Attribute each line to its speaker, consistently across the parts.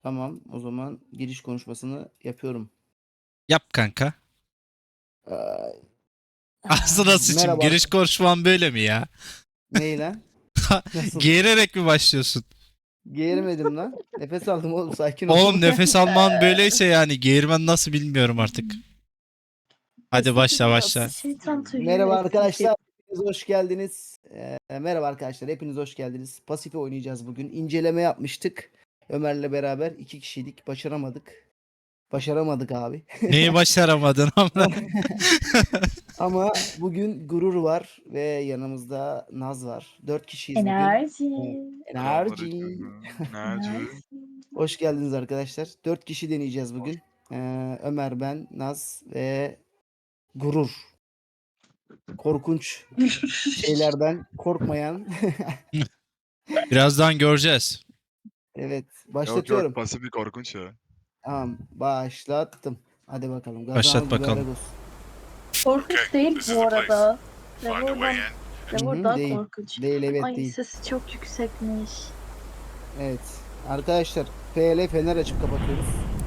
Speaker 1: Tamam, o zaman giriş konuşmasını yapıyorum.
Speaker 2: Yap kanka.
Speaker 1: Ay,
Speaker 2: Aslında sıçayım.
Speaker 1: merhaba.
Speaker 2: Giriş konuşman böyle mi ya?
Speaker 1: Ney lan? Nasıl?
Speaker 2: Geğirerek mi başlıyorsun?
Speaker 1: Geğirmedim lan. Nefes aldım oğlum, sakin ol.
Speaker 2: Oğlum nefes alman böyleyse yani geğirmen nasıl bilmiyorum artık. Hadi başla başla.
Speaker 3: Şeytan tüyü
Speaker 1: Merhaba
Speaker 3: eski
Speaker 1: arkadaşlar, hepiniz hoş geldiniz. Merhaba arkadaşlar, hepiniz hoş geldiniz. Pasife oynayacağız bugün. İnceleme yapmıştık. Ömer'le beraber 2 kişiydik, başaramadık. Başaramadık abi.
Speaker 2: Neyi başaramadın ama?
Speaker 1: Ama bugün Gurur var ve yanımızda Naz var. 4 kişiyiz bugün.
Speaker 3: enerji.
Speaker 1: Enerji.
Speaker 3: Enerji.
Speaker 1: Hoş geldiniz arkadaşlar. 4 kişi deneyeceğiz bugün. Ömer, ben, Naz ve Gurur. Korkunç şeylerden korkmayan.
Speaker 2: Birazdan göreceğiz.
Speaker 1: Evet,
Speaker 4: Yok
Speaker 1: başlatıyorum.
Speaker 4: pasif bir korkunç ya.
Speaker 1: Tamam, başlattım. Hadi bakalım. Gazanı
Speaker 2: Başlat bakalım.
Speaker 1: mübarek olsun.
Speaker 3: Korkunç değil bu arada.
Speaker 1: Hı
Speaker 3: Trevor
Speaker 1: hı,
Speaker 3: daha
Speaker 1: değil.
Speaker 3: korkunç.
Speaker 1: Değil, evet
Speaker 3: Ay
Speaker 1: değil.
Speaker 3: sesi çok yüksekmiş.
Speaker 1: Evet. Arkadaşlar, FL fener açıp kapatıyoruz.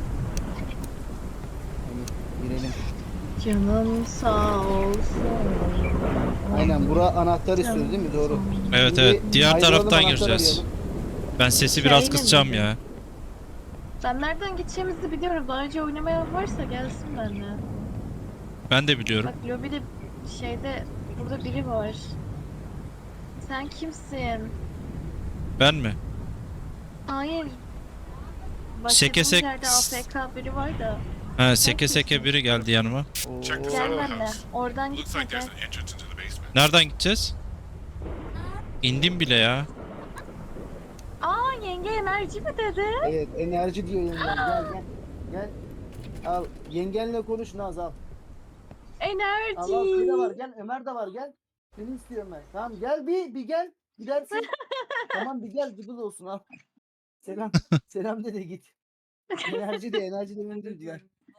Speaker 1: Hadi girelim.
Speaker 3: Canım sağ olsun.
Speaker 1: Aynen, bura anahtar istiyoruz değil mi? Doğru.
Speaker 2: Evet
Speaker 1: Şimdi
Speaker 2: evet. Diğer
Speaker 1: ayrılalım,
Speaker 2: taraftan
Speaker 1: anahtar
Speaker 2: gireceğiz.
Speaker 1: arayalım.
Speaker 2: Ben sesi biraz
Speaker 3: Şeyle
Speaker 2: kısacağım
Speaker 3: miydi?
Speaker 2: ya.
Speaker 3: Ben nereden gideceğimizi biliyorum. Daha önce oynamayan varsa gelsin benimle.
Speaker 2: Ben de biliyorum.
Speaker 3: Bak lobide şeyde burada biri var. Sen kimsin?
Speaker 2: Ben mi?
Speaker 3: Hayır.
Speaker 2: Seke
Speaker 3: Başladığımız
Speaker 2: sek-
Speaker 3: yerde AFK biri var da.
Speaker 2: Ha, seke seke biri geldi yanıma.
Speaker 1: Oo.
Speaker 3: Gel benimle. Oradan gitme gel.
Speaker 2: Nereden gideceğiz? İndim bile ya.
Speaker 3: Aa yenge enerji mi dedi?
Speaker 1: Evet, enerji diyor yengen. Gel gel. Gel. Al. Yengenle konuş Naz, al. Al al, şey de var.
Speaker 3: Enerji.
Speaker 1: Gel, Ömer de var. Gel. Seni istiyorum ben. Tamam, gel bir gel. Gidersin. Tamam, bir gel. Gıdıl olsun, al. Selam. Selam de git. Enerji de, enerji de beni duydular.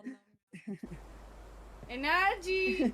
Speaker 5: Enerji.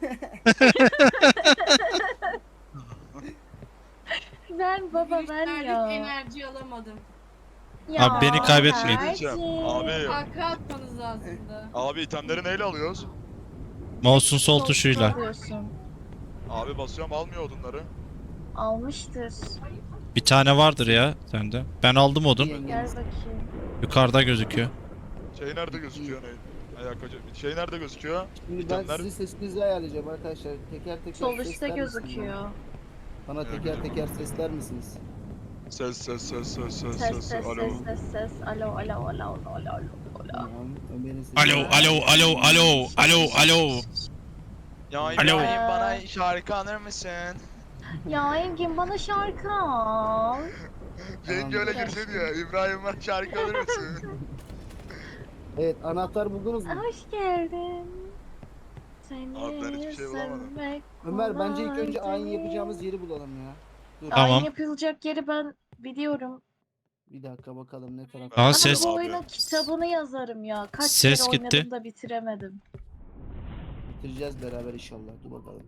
Speaker 3: Ben baba ben ya.
Speaker 5: Enerji alamadım.
Speaker 3: Ya
Speaker 2: Abi beni kaybetmeyin.
Speaker 4: Şey diyeceğim. Abi,
Speaker 5: Kahkaha atmanız lazımdı.
Speaker 4: abi itemleri neyle alıyoruz?
Speaker 2: Mouse'un sol tuşuyla.
Speaker 3: Alıyorsun.
Speaker 4: Abi basıyorum almıyor odunları.
Speaker 3: Almıştır.
Speaker 2: Bir tane vardır ya sende. Ben aldım odun.
Speaker 3: Gel
Speaker 1: Yengeniz.
Speaker 3: bakayım.
Speaker 2: Yukarıda gözüküyor.
Speaker 4: Şey nerede gözüküyor ne? Şey nerede gözüküyor?
Speaker 1: Şimdi ben
Speaker 4: İtemler.
Speaker 1: sizin sesinizi ayarlayacağım arkadaşlar. Teker teker
Speaker 3: Sol üstte
Speaker 1: sesler misiniz
Speaker 3: gözüküyor.
Speaker 1: bana? Bana teker teker sesler misiniz?
Speaker 4: Ses.
Speaker 3: Ses ses ses
Speaker 4: Alo.
Speaker 3: ses ses. Alo alo alo alo alo alo.
Speaker 1: Tamam. Ömer'in sesi.
Speaker 2: Alo alo alo alo alo alo.
Speaker 4: Ya
Speaker 2: Alo.
Speaker 4: İbrahim bana şarkı anır mısın?
Speaker 3: Ya Engin bana şarkı al.
Speaker 4: Yenge öyle
Speaker 3: Tamam.
Speaker 4: girse diyor. İbrahim bana şarkı alır mısın?
Speaker 1: Evet, anahtar buldunuz mu?
Speaker 3: Hoş geldin. Seni
Speaker 4: Abi ben hiçbir şey bulamadım.
Speaker 3: sevmek
Speaker 1: Ömer, bence ilk önce
Speaker 3: kolay
Speaker 1: ayin
Speaker 3: değil.
Speaker 1: yapacağımız yeri bulalım ya. Dur.
Speaker 2: Tamam.
Speaker 3: Ayin yapılacak yeri ben biliyorum.
Speaker 1: Bir dakika bakalım ne tarafta.
Speaker 2: Aa,
Speaker 3: Ama
Speaker 2: ses-
Speaker 3: bu oyunun kitabını yazarım ya. Kaç
Speaker 2: Ses
Speaker 3: kere
Speaker 2: gitti.
Speaker 3: oynadım da bitiremedim.
Speaker 1: Bitireceğiz beraber inşallah. Dur bakalım.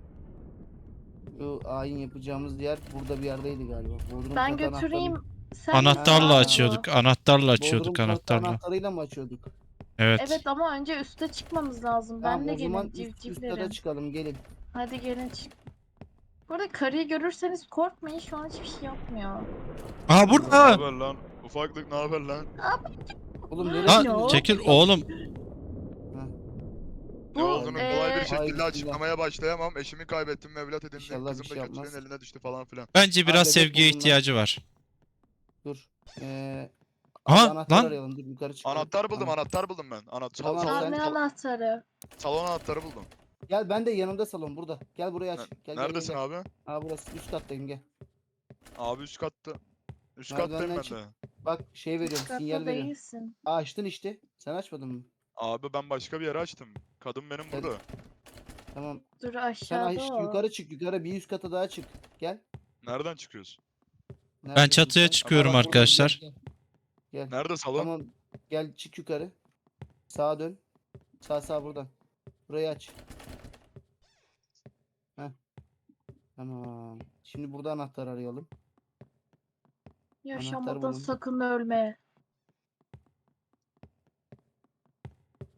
Speaker 1: Şu ayin yapacağımız yer burada bir yerdeydi galiba. Bodrum
Speaker 3: Ben
Speaker 1: katı
Speaker 3: götüreyim. Sen
Speaker 2: Anahtarla
Speaker 1: Ha.
Speaker 2: açıyorduk. Anahtarla
Speaker 1: Bodrum
Speaker 2: açıyorduk
Speaker 1: katı
Speaker 2: anahtarla.
Speaker 1: anahtarıyla mı açıyorduk?
Speaker 2: Evet.
Speaker 3: Evet ama önce üste çıkmamız lazım.
Speaker 1: Tamam,
Speaker 3: Ben de
Speaker 1: o zaman
Speaker 3: gelin
Speaker 1: üst kata
Speaker 3: civcivlerim.
Speaker 1: çıkalım, gelin.
Speaker 3: Hadi gelin çık. Burada karıyı görürseniz korkmayın. Şu an hiçbir şey yapmıyor.
Speaker 2: Aa
Speaker 4: Ne
Speaker 2: burada.
Speaker 4: haber lan? Ufaklık ne haber lan?
Speaker 1: Oğlum
Speaker 2: Ha,
Speaker 1: neresiniz?
Speaker 2: çekil oğlum.
Speaker 1: Ha,
Speaker 3: Bu,
Speaker 4: Ne olduğunu kolay bir
Speaker 3: eee,
Speaker 1: Ay,
Speaker 4: şekilde
Speaker 1: bismillah.
Speaker 4: açıklamaya başlayamam. Eşimi kaybettim, evlat edindim.
Speaker 1: İnşallah bir
Speaker 4: Kızım
Speaker 1: şey
Speaker 4: da
Speaker 1: yapmaz.
Speaker 4: kötülerin eline düştü falan filan.
Speaker 2: Bence biraz
Speaker 1: Bebek
Speaker 2: sevgiye
Speaker 1: buldum lan.
Speaker 2: ihtiyacı var.
Speaker 1: Dur. Abi
Speaker 2: Aha,
Speaker 1: anahtar
Speaker 2: lan.
Speaker 1: arayalım. Dur, yukarı çıkalım.
Speaker 4: Anahtar buldum, anahtar buldum ben.
Speaker 1: Tamam,
Speaker 3: Aa,
Speaker 1: sen-
Speaker 3: ne anahtarı?
Speaker 4: Salon anahtarı buldum.
Speaker 1: Gel, ben de yanımda salon burada. Gel buraya aç. Gel, gel,
Speaker 4: Neredesin
Speaker 1: gel.
Speaker 4: abi?
Speaker 1: Aa, burası üst kattayım, gel.
Speaker 4: Abi üst katta. Üst
Speaker 1: Merdivenden
Speaker 4: kattayım ben
Speaker 1: çık.
Speaker 4: de.
Speaker 1: Bak, şey veriyorum,
Speaker 3: Katta
Speaker 1: sinyal veriyorum.
Speaker 3: değilsin.
Speaker 1: Aa, açtın işte. Sen açmadın mı?
Speaker 4: Abi ben başka bir yere açtım. Kadın benim
Speaker 1: Sen-
Speaker 4: burada.
Speaker 1: Tamam.
Speaker 3: Dur
Speaker 1: Sen
Speaker 3: aşağıda o.
Speaker 1: yukarı çık, yukarı bir üst kata daha çık. Gel.
Speaker 4: Nereden çıkıyorsun?
Speaker 1: Neredesin
Speaker 2: çatıya
Speaker 1: sen?
Speaker 2: çıkıyorum
Speaker 1: Aa, bak, buradayım,
Speaker 2: arkadaşlar.
Speaker 1: Gel, gel.
Speaker 4: Nerede salon?
Speaker 1: Tamam. Gel, çık yukarı. Sağa dön. Sağ buradan. Burayı aç. Heh. Tamam. Şimdi burada anahtar arayalım.
Speaker 3: Yaşamadan
Speaker 1: bulun.
Speaker 3: sakın ölme.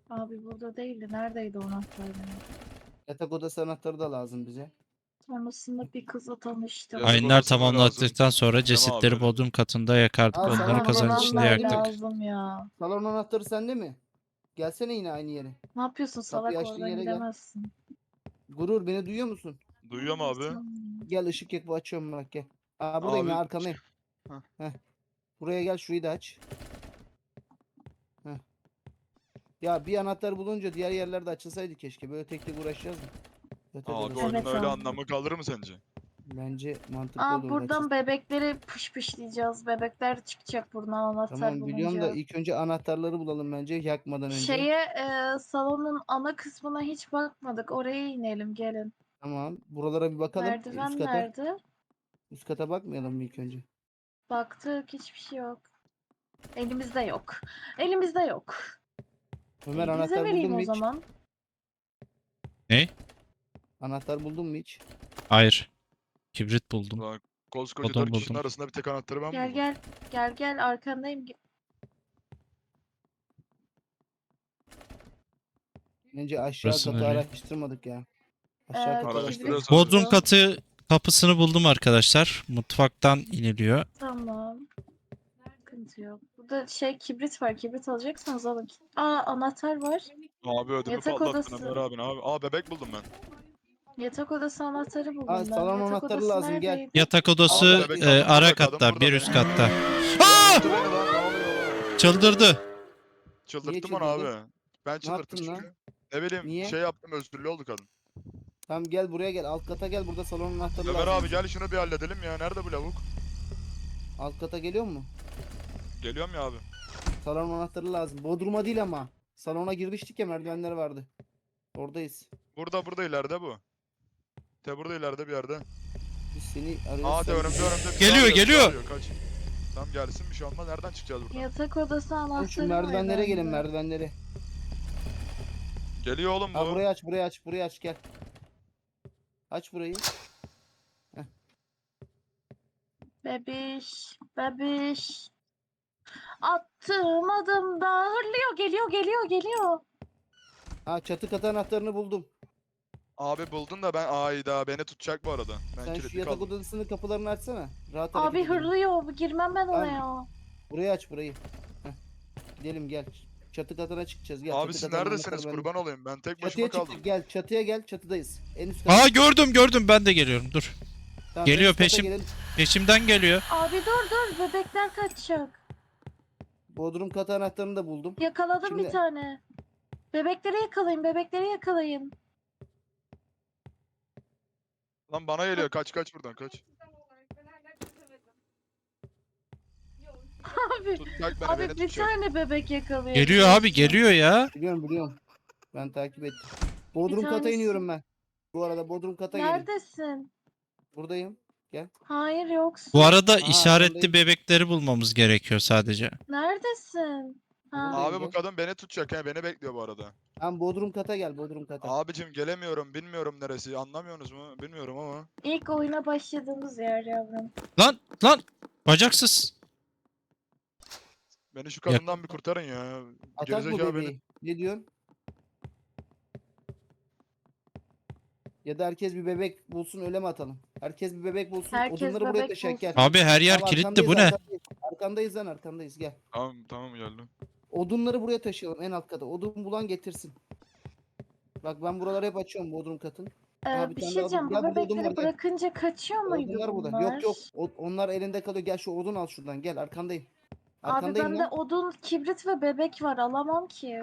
Speaker 3: Abi burada değildi. Neredeydi o anahtar benim?
Speaker 1: Yatak odası anahtarı da lazım bize.
Speaker 3: Sonrasında bir kızla tanıştım.
Speaker 4: Yatak
Speaker 2: Ayınlar
Speaker 4: odası mı
Speaker 2: tamamlattıktan sonra
Speaker 4: Tamam
Speaker 2: cesetleri
Speaker 4: abi.
Speaker 2: bodrum katında yakardık.
Speaker 1: Aa,
Speaker 2: Onları
Speaker 1: salon
Speaker 2: kazanın
Speaker 1: odası
Speaker 2: içinde
Speaker 3: Anahtar
Speaker 1: yaktık.
Speaker 2: yaktık.
Speaker 3: lazım ya.
Speaker 1: Salon anahtarı sende mi? Gelsene yine aynı yere.
Speaker 3: Ne yapıyorsun
Speaker 1: Kapıyı
Speaker 3: salak,
Speaker 1: açtığın
Speaker 3: oradan
Speaker 1: yere gel.
Speaker 3: gidemezsin.
Speaker 1: Gurur, beni duyuyor musun?
Speaker 4: Duyuyor mu abi?
Speaker 1: Gel, ışık yak, bu açıyorum bak, gel. Aa, buradayım
Speaker 4: Abi,
Speaker 1: ya, arkandayım.
Speaker 4: Heh.
Speaker 1: Heh. Buraya gel, şurayı da aç. Heh. Ya bir anahtar bulunca diğer yerlerde açılsaydı keşke. Böyle tek tek uğraşacağız mı? Yatak
Speaker 4: Abi
Speaker 1: odası.
Speaker 4: oyunun
Speaker 3: Evet
Speaker 4: öyle
Speaker 3: abi.
Speaker 4: anlamı kalır mı sence?
Speaker 1: Bence mantıklı
Speaker 3: Aa,
Speaker 1: olurdu
Speaker 3: buradan
Speaker 1: açılsa.
Speaker 3: bebekleri pışpışlayacağız. Bebekler çıkacak buradan anahtar
Speaker 1: Tamam, biliyorum da
Speaker 3: bulunca.
Speaker 1: ilk önce anahtarları bulalım bence yakmadan önce.
Speaker 3: Salonun ana kısmına hiç bakmadık. Oraya inelim, gelin.
Speaker 1: Tamam. Buralara bir bakalım.
Speaker 3: Merdiven
Speaker 1: Üst kata.
Speaker 3: nerede?
Speaker 1: Üst kata bakmayalım mı ilk önce?
Speaker 3: Baktık, hiçbir şey yok. Elimizde yok. Elimizde yok.
Speaker 1: Ömer,
Speaker 3: Bize
Speaker 1: anahtar buldun
Speaker 3: vereyim
Speaker 1: mu
Speaker 3: o
Speaker 1: hiç?
Speaker 3: zaman.
Speaker 2: Ne?
Speaker 1: Anahtar buldun mu hiç?
Speaker 2: Hayır. Kibrit buldum.
Speaker 4: Ulan koskoca
Speaker 2: Odun
Speaker 4: 4 kişinin
Speaker 2: buldum.
Speaker 4: arasında bir tek anahtarı ben
Speaker 3: Gel
Speaker 4: buldum.
Speaker 3: gel. Gel gel, arkandayım.
Speaker 1: Bence aşağı
Speaker 2: Burası
Speaker 1: katı
Speaker 2: nereye?
Speaker 1: araştırmadık ya. Aşağı katı
Speaker 3: Kibrit
Speaker 1: araştırmadık.
Speaker 4: Araştırıyoruz abi.
Speaker 2: Bodrum
Speaker 3: buldum.
Speaker 2: katı kapısını buldum arkadaşlar. Mutfaktan iniliyor.
Speaker 3: Tamam. Sıkıntı yok. Burada kibrit var. Kibrit alacaksanız alın. Aa, anahtar var.
Speaker 4: Abi ödümü
Speaker 3: Yatak
Speaker 4: patlattın
Speaker 3: odası.
Speaker 4: Ömer abin abi. Aa bebek buldum ben.
Speaker 3: Yatak odası anahtarı buldum
Speaker 1: Aa,
Speaker 3: ben.
Speaker 1: salon
Speaker 3: Yatak
Speaker 1: anahtarı
Speaker 3: odası
Speaker 1: lazım, gel.
Speaker 3: neredeydi?
Speaker 2: Yatak odası
Speaker 4: Abi bebek kadın
Speaker 2: ara
Speaker 4: burada, kadın
Speaker 2: katta,
Speaker 4: burada
Speaker 2: bir
Speaker 4: be.
Speaker 2: üst katta. Aa!
Speaker 4: Çıldırttı beni lan, ne oluyor?
Speaker 2: Çıldırdı.
Speaker 4: Çıldırttım onu
Speaker 1: çıldırdın?
Speaker 4: abi. Ben çıldırttım
Speaker 1: yaptın lan?
Speaker 4: çünkü. Ne bileyim
Speaker 1: Niye?
Speaker 4: şey yaptım, özürlü oldu kadın.
Speaker 1: Tamam, gel buraya gel. Alt kata gel. Burada salon anahtarı
Speaker 4: Ömer
Speaker 1: lazım.
Speaker 4: abi gel şunu bir halledelim ya. Nerede bu lavuk?
Speaker 1: Alt kata geliyor mu?
Speaker 4: Geliyorum ya abi.
Speaker 1: Salon anahtarı lazım. Bodrum'a değil ama. Salona girmiştik ya, merdivenler vardı. Oradayız.
Speaker 4: Burada ileride bu. Burada ileride bir yerde.
Speaker 1: Biz seni arıyoruz.
Speaker 4: Aa
Speaker 1: sen
Speaker 4: önümde
Speaker 1: bizi-
Speaker 4: önümde. bizi
Speaker 2: Geliyor,
Speaker 4: arıyor, bizi
Speaker 2: geliyor.
Speaker 4: arıyor, Kaç. Tamam gelsin, bir şey olmaz. Nereden çıkacağız buradan?
Speaker 3: Yatak odası
Speaker 1: Sen
Speaker 3: anahtarı
Speaker 1: şu
Speaker 3: var
Speaker 1: merdivenlere gelin,
Speaker 3: bende.
Speaker 1: merdivenlere.
Speaker 4: Geliyor oğlum bu.
Speaker 1: Ha, burayı aç, burayı aç, burayı aç, gel. Aç burayı.
Speaker 3: Bebiş. Bebiş. Attığım adımda hırlıyor. Geliyor.
Speaker 1: Ha, çatı katı anahtarını buldum.
Speaker 4: Abi buldun da ben ayda beni tutacak bu arada. Ben
Speaker 1: Sen şu
Speaker 4: kilitli
Speaker 1: yatak
Speaker 4: kaldım.
Speaker 1: odasının kapılarını açsana. Rahat hareket
Speaker 3: Abi
Speaker 1: edelim.
Speaker 3: hırlıyor. Girmem ben
Speaker 1: Tamam.
Speaker 3: oraya.
Speaker 1: Burayı aç, burayı. Heh. Gidelim, gel. Çatı katına çıkacağız. Gel.
Speaker 4: Abi
Speaker 1: çatı
Speaker 4: siz
Speaker 1: katının
Speaker 4: neredesiniz?
Speaker 1: anahtarı bende.
Speaker 4: Kurban olayım. Ben tek başıma
Speaker 1: Çatıya
Speaker 4: kaldım.
Speaker 1: çıktık, gel. Çatıya gel, çatıdayız. En üst kata.
Speaker 2: Aa, gördüm ben de geliyorum. Dur.
Speaker 1: Tamam,
Speaker 2: geliyor,
Speaker 1: en üst kata
Speaker 2: peşim.
Speaker 1: gelin.
Speaker 2: Peşimden geliyor.
Speaker 3: Abi dur. Bebekler kaçacak.
Speaker 1: Bodrum katı anahtarını da buldum.
Speaker 3: Yakaladım
Speaker 1: Şimdi-
Speaker 3: bir tane. Bebekleri yakalayın.
Speaker 4: Lan bana geliyor. Kaç buradan kaç.
Speaker 3: Abi,
Speaker 4: Tutacak beni,
Speaker 3: abi
Speaker 4: beni
Speaker 3: bir
Speaker 4: tutacak.
Speaker 3: tane bebek yakalıyor.
Speaker 2: Geliyor abi, geliyor ya.
Speaker 1: Biliyorum. Ben takip ettim. Bodrum kata
Speaker 3: tanesi-
Speaker 1: iniyorum ben. Bu arada Bodrum kata gelin.
Speaker 3: Neredesin?
Speaker 1: Buradayım.
Speaker 3: Hayır, yoksun.
Speaker 2: Bu arada
Speaker 1: Aa,
Speaker 2: işaretli
Speaker 1: arkandayım.
Speaker 2: bebekleri bulmamız gerekiyor sadece.
Speaker 3: Neredesin? Ha.
Speaker 1: Buradayım.
Speaker 4: Abi bu kadın beni tutacak he. Beni bekliyor bu arada.
Speaker 1: Tamam, Bodrum kata gel, Bodrum kata.
Speaker 4: Abicim gelemiyorum. Bilmiyorum neresi. Anlamıyorsunuz mu? Bilmiyorum ama.
Speaker 3: İlk oyuna başladığımız yer yavrum.
Speaker 2: Lan bacaksız.
Speaker 4: Beni şu kadından bir kurtarın ya.
Speaker 1: Atak bu
Speaker 4: Gerizekalı
Speaker 1: bebeği.
Speaker 4: beni.
Speaker 1: Ne diyorsun? Ya da herkes bir bebek bulsun, öyle mi atalım? Herkes bir bebek bulsun.
Speaker 3: Herkes
Speaker 1: Odunları buraya
Speaker 3: bebek
Speaker 1: taşıyak, gel.
Speaker 3: bulsun.
Speaker 2: Abi her yer
Speaker 1: Tamam,
Speaker 2: kilitli, bu
Speaker 1: arkandayız,
Speaker 2: ne?
Speaker 1: Arkandayız lan, arkandayız, gel.
Speaker 4: Tamam geldim.
Speaker 1: Odunları buraya taşıyalım, en alt kata. Odun bulan getirsin. Bak, ben buraları hep açıyorum, Bodrum katın. Aa, bir
Speaker 3: Bir
Speaker 1: tane
Speaker 3: şey
Speaker 1: daha
Speaker 3: diyeceğim.
Speaker 1: buldum.
Speaker 3: Bu
Speaker 1: Gel, burada odun var,
Speaker 3: bebekleri
Speaker 1: gel.
Speaker 3: bırakınca kaçıyor muydu
Speaker 1: Odunlar burada.
Speaker 3: bunlar?
Speaker 1: Yok. Onlar elinde kalıyor. Gel şu odun al şuradan. Gel, arkandayım.
Speaker 3: Abi
Speaker 1: Arkandayım
Speaker 3: bende
Speaker 1: lan.
Speaker 3: odun, kibrit ve bebek var. Alamam ki.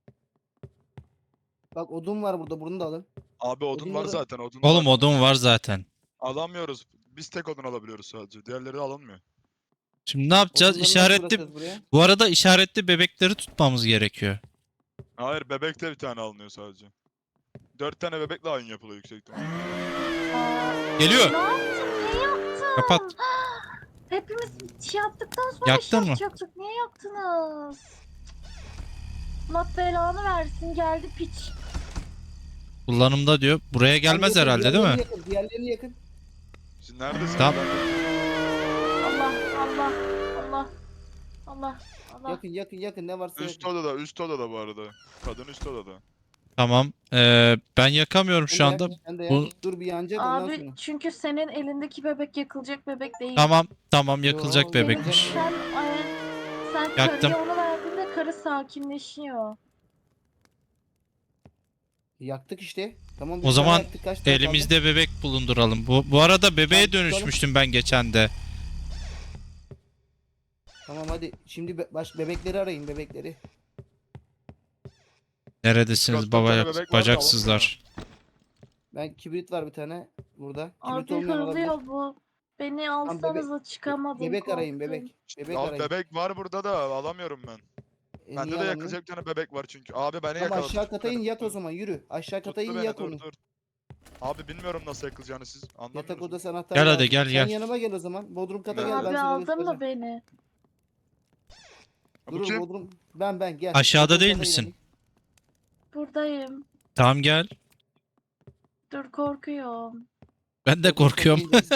Speaker 1: Bak, odun var burada. Bunu da alın.
Speaker 4: Abi odun var
Speaker 1: Odunları-
Speaker 4: zaten. Odun
Speaker 2: Oğlum
Speaker 4: var.
Speaker 2: odun var zaten.
Speaker 4: Alamıyoruz. Biz tek odun alabiliyoruz sadece. Diğerleri alınmıyor.
Speaker 2: Şimdi ne yapacağız?
Speaker 1: Odunları nasıl
Speaker 2: İşaretli.
Speaker 1: bırakıyoruz buraya?
Speaker 2: Bu arada işaretli bebekleri tutmamız gerekiyor.
Speaker 4: Hayır bebek de bir tane alınıyor sadece. 4 tane bebekle aynı yapılıyor yüksek ihtimalle.
Speaker 3: Aa,
Speaker 2: Geliyor.
Speaker 3: ne yaptın? Niye yaptın?
Speaker 2: Kapat.
Speaker 3: Hepimiz yaptıktan sonra
Speaker 2: Yaktın mı?
Speaker 3: yapacaktık. Niye yaptınız? Allah belanı versin. Geldi piç.
Speaker 2: Kullanımda diyor. Buraya gelmez
Speaker 1: Yakın,
Speaker 2: herhalde değil mi?
Speaker 1: diğerlerini yakın, diğerlerini yakın.
Speaker 4: Siz neredesiniz?
Speaker 2: Tamam.
Speaker 3: Allah. Allah. Allah.
Speaker 1: Yakın ne varsa
Speaker 4: Üst
Speaker 1: yakın.
Speaker 4: üst odada bu arada. Kadın üst odada.
Speaker 2: Tamam. Ben yakamıyorum şu
Speaker 1: Sen de
Speaker 2: anda.
Speaker 1: yak, sen de yak.
Speaker 2: Bu
Speaker 1: Dur bir yanacak ondan
Speaker 3: Abi
Speaker 1: sonra.
Speaker 3: çünkü senin elindeki bebek yakılacak bebek değil.
Speaker 2: tamam yakılacak
Speaker 1: Yo,
Speaker 2: bebekmiş.
Speaker 3: Sen sen
Speaker 2: Yaktım.
Speaker 3: karıya onu verdiğinde karı sakinleşiyor.
Speaker 1: Yaktık işte. Tamam
Speaker 2: O
Speaker 1: bir tane
Speaker 2: zaman
Speaker 1: yaktık. Kaç tane kaldı?
Speaker 2: elimizde bebek bulunduralım. Bu arada bebeğe
Speaker 1: Tamam, tutalım.
Speaker 2: dönüşmüştüm ben geçen de.
Speaker 1: Tamam hadi. Şimdi bebekleri arayın bebekleri.
Speaker 2: Neredesiniz
Speaker 4: Kaç tane
Speaker 2: baba
Speaker 4: bebek var da
Speaker 2: bacaksızlar?
Speaker 1: Ben kibrit var bir tane burada. Kibrit
Speaker 3: Abi
Speaker 1: olmayan olabilir.
Speaker 3: hırlıyor bu. Beni
Speaker 1: bebek-
Speaker 3: alsanıza çıkamadım
Speaker 1: Bebek arayın
Speaker 3: korktum.
Speaker 1: bebek. Bebek
Speaker 4: Abi
Speaker 1: arayın.
Speaker 4: bebek var burada da alamıyorum ben.
Speaker 1: Niye
Speaker 4: Bende de
Speaker 1: alamıyor?
Speaker 4: yakılacak bir tane bebek var çünkü. Abi beni
Speaker 1: Tamam
Speaker 4: yakaladı.
Speaker 1: aşağı
Speaker 4: tuttu
Speaker 1: kata in
Speaker 4: beni,
Speaker 1: yat o
Speaker 4: tuttu.
Speaker 1: zaman yürü. Aşağı kata
Speaker 4: Tuttu
Speaker 1: in
Speaker 4: beni,
Speaker 1: yak
Speaker 4: dur
Speaker 1: onu.
Speaker 4: dur. Abi bilmiyorum nasıl yakılacağını siz
Speaker 1: Yatak
Speaker 4: anlamıyorsunuz.
Speaker 1: odası anahtarı
Speaker 2: Gel hadi,
Speaker 1: lazım.
Speaker 2: gel,
Speaker 1: Sen
Speaker 2: gel.
Speaker 1: yanıma gel o zaman. Bodrum kata
Speaker 4: Ne?
Speaker 1: gel ben
Speaker 3: Abi
Speaker 1: sana
Speaker 3: aldın
Speaker 1: göstereceğim.
Speaker 3: mı beni?
Speaker 4: Bu
Speaker 1: Durur
Speaker 4: kim?
Speaker 1: Bodrum. Ben gel.
Speaker 2: Aşağıda
Speaker 1: Bodrum
Speaker 2: değil
Speaker 1: kata
Speaker 2: misin?
Speaker 1: inelim.
Speaker 3: Buradayım.
Speaker 2: Tamam gel.
Speaker 3: Dur korkuyorum.
Speaker 2: Ben de
Speaker 1: Bodrum kata
Speaker 2: korkuyorum.
Speaker 1: ineceğiz.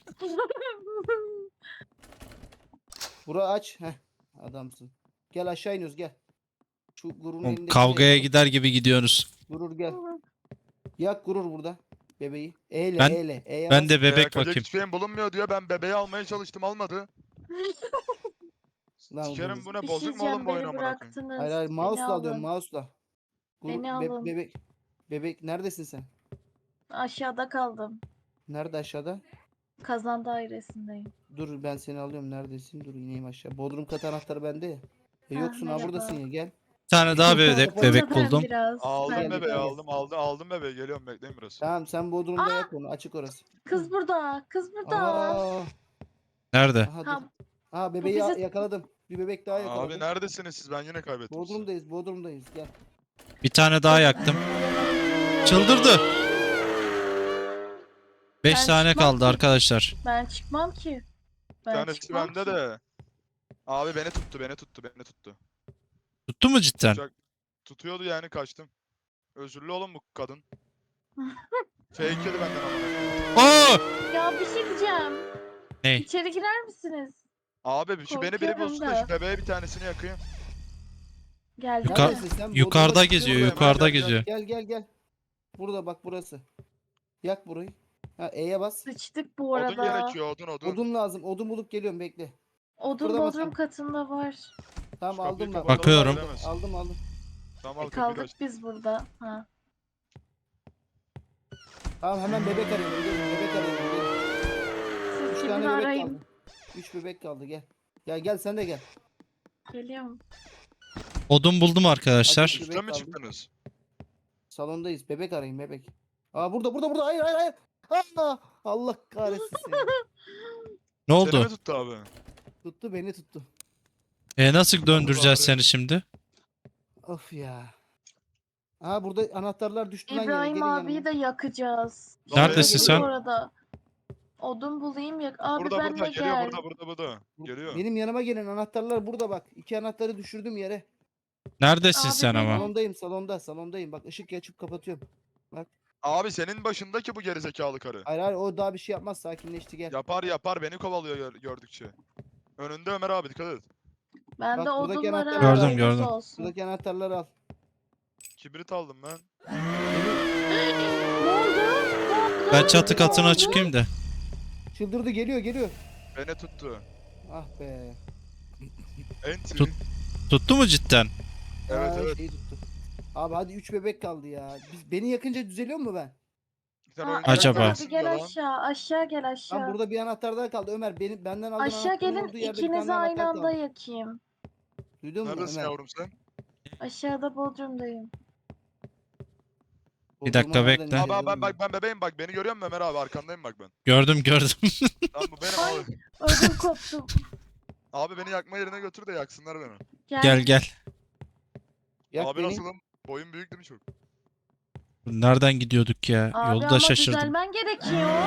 Speaker 1: Bura aç. Heh. Adamsın. Gel aşağı iniyoruz gel. Şu gururun
Speaker 2: Oğlum,
Speaker 1: elindekini
Speaker 2: kavgaya
Speaker 1: yakalım.
Speaker 2: gider gibi gidiyorsunuz.
Speaker 1: Gurur gel. Yak gurur burada. Bebeği. Eyle
Speaker 2: Ben-
Speaker 1: eyle. E'ye
Speaker 2: Ben
Speaker 1: bas.
Speaker 2: de bebek
Speaker 4: Yakacak
Speaker 2: bakayım.
Speaker 4: hiçbir şeyim bulunmuyor diyor. Ben bebeği almaya çalıştım almadı.
Speaker 1: Lan
Speaker 4: Sikerim bu ne
Speaker 3: Bir
Speaker 4: bozuk
Speaker 3: şey
Speaker 4: mu oğlum
Speaker 3: diyeceğim,
Speaker 4: bu oyun
Speaker 3: beni
Speaker 4: amına koyayım?
Speaker 3: bıraktınız.
Speaker 1: Hayır hayır
Speaker 3: Beni
Speaker 1: mouse'la alıyorum
Speaker 3: alın.
Speaker 1: mouse'la.
Speaker 3: Beni alın.
Speaker 1: Bebek. Bebek neredesin sen?
Speaker 3: Aşağıda kaldım.
Speaker 1: Nerede aşağıda?
Speaker 3: Kazan dairesindeyim.
Speaker 1: Dur ben seni alıyorum. Neredesin? Dur ineyim aşağı. Bodrum kat anahtarı bende ya.
Speaker 3: Ha,
Speaker 1: Yoksun ha
Speaker 3: merhaba.
Speaker 1: buradasın ya gel.
Speaker 2: Bir tane daha bebek
Speaker 3: Ben
Speaker 2: buldum.
Speaker 3: biraz.
Speaker 4: Aldım
Speaker 1: Gel,
Speaker 4: bebeği
Speaker 1: gel.
Speaker 4: aldım bebeği geliyorum bekleyin biraz.
Speaker 1: Tamam sen Bodrum'da yak onu. Açık orası.
Speaker 3: Kız burada. Kız burada.
Speaker 1: Aa,
Speaker 2: Nerede?
Speaker 1: aha dur.
Speaker 3: Ha,
Speaker 1: Aha bebeği
Speaker 3: bizi-
Speaker 1: yakaladım. Bir bebek daha yakaladım.
Speaker 4: Abi neredesiniz siz ben yine kaybettim sizi.
Speaker 1: Bodrum'dayız. Gel.
Speaker 2: Bir tane daha yaktım. Çıldırdı. 5
Speaker 3: Ben
Speaker 2: tane
Speaker 3: çıkmam
Speaker 2: kaldı
Speaker 3: ki.
Speaker 2: arkadaşlar.
Speaker 3: ben çıkmam ki.
Speaker 4: Bir
Speaker 3: Ben
Speaker 4: tanesi
Speaker 3: çıkmam
Speaker 4: bende
Speaker 3: ki.
Speaker 4: de. Abi beni tuttu.
Speaker 2: Tuttu mu cidden?
Speaker 4: Tutacak- Tutuyordu yani kaçtım. Özürlü oğlum bu kadın. Fake yedi benden amına koyayım.
Speaker 2: Oo!
Speaker 3: Ya bir şey diyeceğim.
Speaker 2: Ne?
Speaker 3: İçeri girer misiniz?
Speaker 4: Abi şu beni biri
Speaker 3: Korkuyorum
Speaker 4: bulsun da
Speaker 3: da.
Speaker 4: şu bebeğe bir tanesini yakayım.
Speaker 3: Gel.
Speaker 2: Yuka-
Speaker 1: Neredesin sen?
Speaker 2: Yukarıda
Speaker 1: Bodrum'da
Speaker 2: geziyor,
Speaker 1: çıkıyorum.
Speaker 2: yukarıda
Speaker 4: gel, gel.
Speaker 2: geziyor.
Speaker 1: Gel. Burada bak burası. Yak burayı. Ha E'ye bas.
Speaker 3: Sıçtık bu
Speaker 4: Odun
Speaker 3: arada.
Speaker 4: gerekiyor odun.
Speaker 1: Odun lazım. Odun bulup geliyorum bekle.
Speaker 3: Odun
Speaker 1: Kıpırdama
Speaker 3: bodrum
Speaker 1: sen.
Speaker 3: katında var.
Speaker 1: Tamam
Speaker 4: Şu kapıyı
Speaker 1: aldım ben.
Speaker 4: kapatalım,
Speaker 2: Bakıyorum.
Speaker 4: giremez.
Speaker 1: Aldım.
Speaker 4: Tamam al kapıyı da
Speaker 3: Kaldık
Speaker 4: aç.
Speaker 3: biz burada. Ha.
Speaker 1: Tamam hemen bebek arayalım. Gelin bebek arayalım. Gelin.
Speaker 3: Siz
Speaker 1: 3
Speaker 3: gidin
Speaker 1: tane bebek
Speaker 3: arayın.
Speaker 1: kaldı. 3 bebek kaldı gel. Gel sen de gel.
Speaker 3: Geliyorum.
Speaker 2: Odun buldum arkadaşlar.
Speaker 1: Hadi.
Speaker 4: Üste mi
Speaker 1: kaldı.
Speaker 4: çıktınız?
Speaker 1: Salondayız. Bebek arayın bebek. Aa burada. Hayır. Aa, Allah kahretsin seni.
Speaker 2: Ne
Speaker 4: Seni
Speaker 2: oldu?
Speaker 4: mi tuttu abi?
Speaker 1: Tuttu beni tuttu.
Speaker 2: Nasıl döndüreceğiz
Speaker 4: bari.
Speaker 2: seni şimdi?
Speaker 1: Of ya. Aa burada anahtarlar düştü lan yere.
Speaker 3: İbrahim
Speaker 1: Gelin
Speaker 3: abiyi
Speaker 1: yanıma.
Speaker 3: de yakacağız.
Speaker 2: Neredesin
Speaker 3: Dur
Speaker 2: sen?
Speaker 3: Bu arada. Odun bulayım yak. Abi
Speaker 4: Burada
Speaker 3: benle
Speaker 4: geliyor
Speaker 3: gel.
Speaker 4: burada. Geliyor.
Speaker 1: Benim yanıma gelin. Anahtarlar burada bak. 2 anahtarı düşürdüm yere.
Speaker 2: Neredesin
Speaker 3: Abi
Speaker 2: sen
Speaker 3: benim-
Speaker 1: Salondayım. Salondayım. Bak ışık açıp kapatıyorum.
Speaker 4: Abi senin başındaki bu gerizekalı karı.
Speaker 1: Hayır o daha bir şey yapmaz. Sakinleşti gel.
Speaker 4: Yapar beni kovalıyor gördükçe. Önünde Ömer abi dikkat et.
Speaker 3: Ben
Speaker 1: Bak,
Speaker 3: de
Speaker 1: buradaki
Speaker 3: odunlara
Speaker 1: anahtarı
Speaker 2: Gördüm,
Speaker 3: haberiniz
Speaker 2: gördüm.
Speaker 3: olsun.
Speaker 1: Buradaki anahtarları al.
Speaker 4: Kibrit aldım ben.
Speaker 3: Ne oldu?
Speaker 2: Ben çatı katına çıkayım da.
Speaker 1: Çıldırdı geliyor.
Speaker 4: Beni tuttu.
Speaker 1: Ah be.
Speaker 4: Enti.
Speaker 2: Tut. Tuttu mu cidden?
Speaker 4: Evet
Speaker 1: Aa,
Speaker 4: evet.
Speaker 1: şeyi tuttu. Abi hadi 3 bebek kaldı ya. Beni yakınca düzeliyor mu ben?
Speaker 4: Sen
Speaker 3: Ha,
Speaker 4: oyuncak
Speaker 2: Acaba?
Speaker 3: evet
Speaker 4: mısın
Speaker 3: abi gel
Speaker 4: lan?
Speaker 3: aşağı. Aşağı gel
Speaker 1: Lan
Speaker 3: aşağı.
Speaker 1: burada bir anahtar daha kaldı. Ömer benden aldığın
Speaker 3: Aşağı
Speaker 1: anahtarın
Speaker 3: gelin
Speaker 1: olduğu yerde bir
Speaker 3: ikinizi
Speaker 1: tane
Speaker 3: aynı
Speaker 1: anahtar
Speaker 3: anda
Speaker 1: kaldı.
Speaker 3: yakayım.
Speaker 1: Duydun mu
Speaker 4: Neredesin
Speaker 1: Ömer?
Speaker 4: yavrum sen?
Speaker 3: Aşağıda bodrumdayım.
Speaker 2: Bir dakika
Speaker 1: Bodrum'a nereden
Speaker 2: bekle.
Speaker 4: Abi
Speaker 1: ineceğiz
Speaker 4: ben
Speaker 1: oğlum ya?
Speaker 4: ben bebeğim bak beni görüyor musun Ömer abi arkandayım bak ben.
Speaker 2: Gördüm.
Speaker 4: Tamam bu benim
Speaker 3: Ay.
Speaker 4: abi.
Speaker 3: Ödüm koptu.
Speaker 4: Abi beni yakma yerine götür de yaksınlar beni.
Speaker 2: Gel.
Speaker 1: Yak
Speaker 4: Abi
Speaker 1: beni.
Speaker 4: nasılım? Boyum büyük değil mi çok?
Speaker 2: Nereden gidiyorduk ya?
Speaker 3: Abi
Speaker 2: Yolda
Speaker 3: ama
Speaker 2: şaşırdım.
Speaker 3: düzelmen gerekiyor.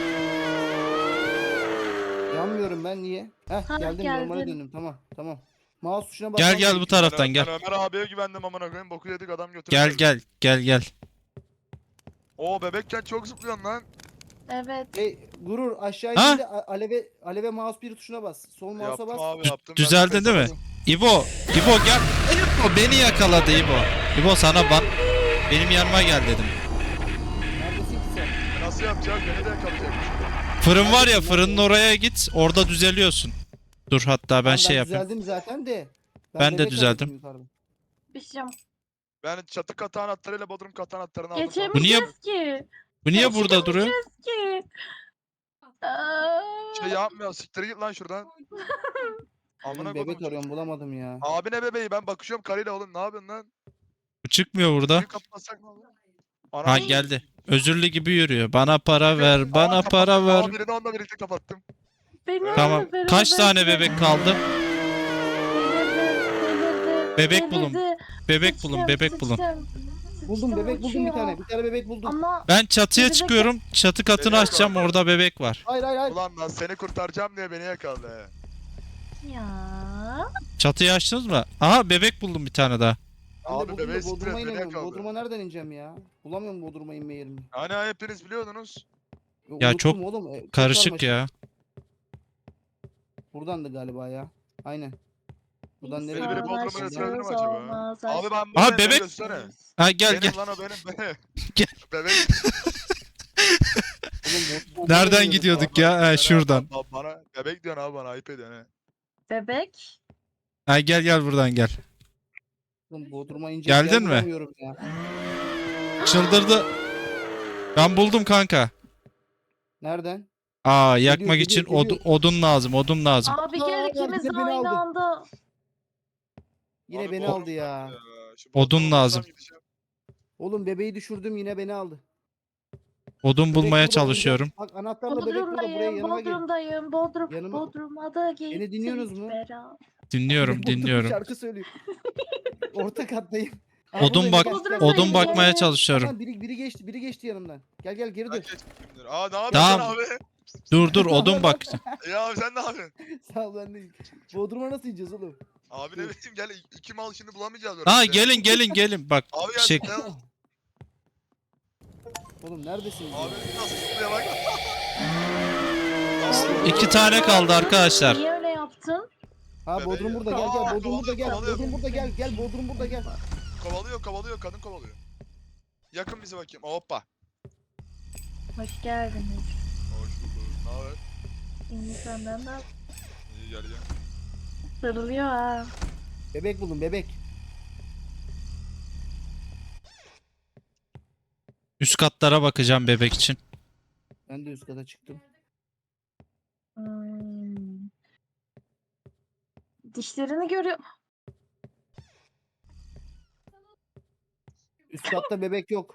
Speaker 1: Yanmıyorum ben niye? Heh
Speaker 3: Ha,
Speaker 1: geldim normale
Speaker 3: geldin.
Speaker 1: döndüm tamam. Mouse tuşuna
Speaker 2: Gel
Speaker 1: basmam
Speaker 2: bu
Speaker 1: gerekiyor.
Speaker 2: taraftan
Speaker 4: Ben
Speaker 2: gel.
Speaker 4: Ömer abiye güvendim amına koyayım boku yedik adam götürdü.
Speaker 2: Gel.
Speaker 4: Oo bebekken çok zıplıyorsun lan.
Speaker 3: Evet.
Speaker 1: Gurur aşağı
Speaker 2: Ha?
Speaker 1: indiğinde aleve mouse bir tuşuna bas. Sol mouse'a
Speaker 4: Yaptım
Speaker 1: bas.
Speaker 4: abi yaptım.
Speaker 2: Düzeldin değil mi? İbo gel. İbo beni yakaladı İbo. İbo sana benim yanıma gel dedim.
Speaker 1: Neredesin ki sen?
Speaker 4: Nasıl yapacağız? Beni de yakalayacakmış.
Speaker 2: Fırın var ya, fırının oraya git, orada düzeliyorsun. Dur hatta ben
Speaker 1: Tamam,
Speaker 2: şey yapayım.
Speaker 1: düzeldim zaten de.
Speaker 2: Ben de
Speaker 1: bebek
Speaker 2: düzeldim.
Speaker 1: arıyordum yukarıda.
Speaker 3: Bir şey diyeceğim.
Speaker 4: Ben çatı katı anahtarıyla bodrum katı anahtarını aldım.
Speaker 3: Geçemeyeceğiz ki.
Speaker 2: Bu niye burada duruyor?
Speaker 3: Geçemeyeceğiz ki. Aa.
Speaker 4: Şey yapmıyor. Siktir git lan şuradan. Amına
Speaker 1: Oğlum, bebek
Speaker 4: kodum.
Speaker 1: arıyorum bulamadım ya.
Speaker 4: Abi ne bebeği? Ben bakışıyorum karıyla oğlum. Ne yapıyorsun lan?
Speaker 2: Bu çıkmıyor burada.
Speaker 4: Suyu kapatsak ne olur?
Speaker 2: Ha
Speaker 4: Ana.
Speaker 2: geldi. Özürlü gibi yürüyor. Bana para ver, bana para ver.
Speaker 4: Abi birini onunla birlikte kapattım.
Speaker 3: Beni
Speaker 2: Tamam.
Speaker 3: onunla beraber
Speaker 2: Kaç tane
Speaker 3: bırak.
Speaker 2: bebek kaldı?
Speaker 3: Delirdi,
Speaker 2: Bebek bulun.
Speaker 3: delirdi.
Speaker 2: Bebek bulun, bebek bulun.
Speaker 1: Buldum, bebek buldum bir
Speaker 3: uçuyor.
Speaker 1: tane. Bir tane bebek buldum.
Speaker 3: Ama
Speaker 2: Ben çatıya
Speaker 3: Bebek-
Speaker 2: çıkıyorum. Çatı katını
Speaker 4: Bebek
Speaker 2: açacağım.
Speaker 4: var.
Speaker 2: Orada bebek var.
Speaker 1: Hayır hayır hayır.
Speaker 4: Ulan lan seni kurtaracağım diye beni yakaladı.
Speaker 3: ya.
Speaker 2: Çatıyı açtınız mı? Aha bebek buldum bir tane daha.
Speaker 1: Ben de
Speaker 4: Abi
Speaker 1: buldum
Speaker 4: bebeği
Speaker 1: da
Speaker 4: siktir
Speaker 1: Bodrum'a
Speaker 4: et beni
Speaker 1: inemiyorum.
Speaker 4: yakaladı.
Speaker 1: Bodrum'a nereden ineceğim ya? Bulamıyorum Bodrum'a inme yerini.
Speaker 4: Hani hepiniz biliyordunuz.
Speaker 2: Ya
Speaker 1: Unuttum
Speaker 2: çok
Speaker 1: oğlum. Çok
Speaker 2: Karışık
Speaker 1: karmaşık.
Speaker 2: ya.
Speaker 1: Buradandı galiba ya. Aynen. Buradan nereye
Speaker 4: Beni biri
Speaker 1: gidiyor?
Speaker 4: Bodrum'a götürebilir mi
Speaker 3: Savaşsız
Speaker 4: acaba?
Speaker 3: olmaz
Speaker 4: Abi
Speaker 3: aşk.
Speaker 4: ben
Speaker 2: Aha,
Speaker 4: buradayım, beni
Speaker 2: bebek.
Speaker 4: göstersene.
Speaker 2: Ha gel
Speaker 4: Benim
Speaker 2: gel.
Speaker 4: lan o benim.
Speaker 2: Gel.
Speaker 4: Bebek.
Speaker 1: Oğlum, Bodrum'a
Speaker 2: Nereden
Speaker 1: inemiyorum.
Speaker 2: gidiyorduk ya? Ha şuradan.
Speaker 4: Bana bebek diyorsun abi, bana ayıp ediyorsun he.
Speaker 3: Bebek.
Speaker 2: Ha gel buradan gel.
Speaker 1: Oğlum, Bodrum'a inecek
Speaker 2: Geldin
Speaker 1: yer
Speaker 2: mi?
Speaker 1: bulamıyorum ya.
Speaker 2: Çıldırdı. Ben buldum kanka.
Speaker 1: Nereden?
Speaker 2: Aa yakmak
Speaker 1: Geliyor,
Speaker 2: için
Speaker 1: geliyor.
Speaker 2: odun lazım. Odun lazım.
Speaker 3: Abi gel
Speaker 1: Aa,
Speaker 3: ikimiz
Speaker 1: yine
Speaker 3: de
Speaker 1: beni
Speaker 3: aynı
Speaker 1: aldı.
Speaker 3: anda.
Speaker 1: Yine
Speaker 4: Abi
Speaker 1: beni
Speaker 4: Bodrum
Speaker 1: aldı ya.
Speaker 4: Şu
Speaker 2: Odun
Speaker 4: Bodrum'a
Speaker 2: lazım.
Speaker 4: vursam gideceğim.
Speaker 1: Oğlum bebeği düşürdüm yine beni aldı.
Speaker 2: Odun
Speaker 1: Bebek
Speaker 2: bulmaya
Speaker 1: burada,
Speaker 2: çalışıyorum.
Speaker 1: Bak anahtarla bebek burada, buraya
Speaker 3: Bodrum'dayım,
Speaker 1: yanıma gel.
Speaker 3: Bodrum'dayım,
Speaker 1: Yanıma-
Speaker 3: Bodrum'a da gittik
Speaker 1: Beni dinliyorsunuz mu?
Speaker 3: beraber.
Speaker 2: Dinliyorum,
Speaker 1: Bodrum
Speaker 2: dinliyorum.
Speaker 1: şarkı söylüyor. Orta kattayım. Aa,
Speaker 2: Odun
Speaker 1: buradayım,
Speaker 2: bak,
Speaker 1: gel, gel,
Speaker 2: odun
Speaker 1: gel.
Speaker 2: bakmaya
Speaker 3: Gel.
Speaker 2: çalışıyorum.
Speaker 1: Aman biri geçti yanımdan. Gel geri
Speaker 4: Ben
Speaker 1: dur.
Speaker 4: geçmeyeyim. Aa ne yapıyorsun
Speaker 2: Tamam.
Speaker 4: abi?
Speaker 2: Dur odun bak.
Speaker 4: Ya abi sen ne yapıyorsun?
Speaker 1: Sağ ol, ben deyim. Bodrum'a nasıl ineceğiz oğlum?
Speaker 4: Abi ne bileyim gel iki mal şimdi bulamayacağız
Speaker 2: Ha
Speaker 4: orası ya.
Speaker 2: gelin. Bak
Speaker 4: Abi gel.
Speaker 2: şey
Speaker 4: ya.
Speaker 1: Oğlum neredesiniz? ya?
Speaker 4: Abi nasıl zıplıyor bak.
Speaker 2: 2 tane kaldı arkadaşlar.
Speaker 3: Niye öyle yaptın?
Speaker 1: Ha
Speaker 4: Bebeği
Speaker 1: Bodrum
Speaker 4: ya.
Speaker 1: burada, gel
Speaker 4: Aa,
Speaker 1: Bodrum burada, gel.
Speaker 4: kovalıyor.
Speaker 1: Bodrum burada, gel Bodrum burada, gel.
Speaker 4: Kovalıyor kadın kovalıyor. Yakın bizi bakayım. Hoppa.
Speaker 3: Hoş geldiniz.
Speaker 4: Hoş bulduk. Ne haber?
Speaker 3: İyi senden de
Speaker 4: İyi gel ya.
Speaker 3: sarılıyor ha.
Speaker 1: Bebek bulun, bebek.
Speaker 2: Üst katlara bakacağım bebek için.
Speaker 1: Ben de üst kata çıktım.
Speaker 3: Hmm. Dişlerini görüyor.
Speaker 1: Üst katta bebek yok.